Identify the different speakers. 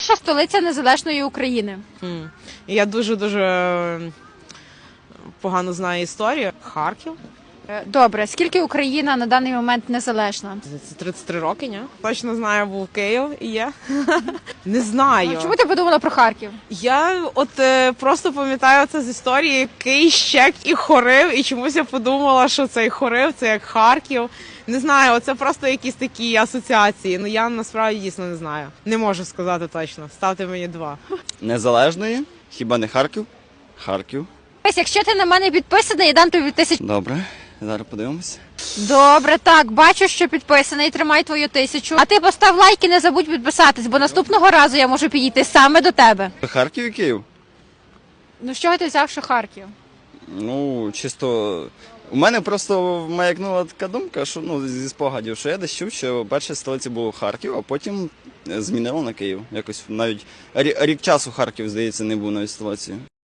Speaker 1: Перша столиця незалежної України.
Speaker 2: Я дуже погано знаю історію. Харків.
Speaker 1: Добре, скільки Україна на даний момент незалежна?
Speaker 2: Це 33 роки, ні? Точно знаю, був Київ і є. Не знаю.
Speaker 1: Чому ти подумала про Харків?
Speaker 2: Я просто пам'ятаю це з історії Кий, Щек і Хорив, і чомусь я подумала, що цей Хорив, це як Харків. Не знаю, це просто якісь такі асоціації. Ну я насправді дійсно не знаю. Не можу сказати точно. Ставте мені 2.
Speaker 3: Незалежної? Хіба не Харків? Харків.
Speaker 1: Ось, якщо ти на мене підписаний, я дам тобі 1000.
Speaker 3: Добре, зараз подивимося.
Speaker 1: Добре, так, бачу, що підписаний, тримай твою 1000. А ти постав лайк і не забудь підписатись, бо наступного разу я можу підійти саме до тебе.
Speaker 3: Харків і Київ?
Speaker 1: Ну, з чого ти взяв, що Харків?
Speaker 3: Ну, чисто. У мене просто маякнула така думка, що зі спогадів, що я десь чув, що перша столиця був Харків, а потім змінили на Київ. Якось навіть рік часу Харків, здається, не був навіть столицею.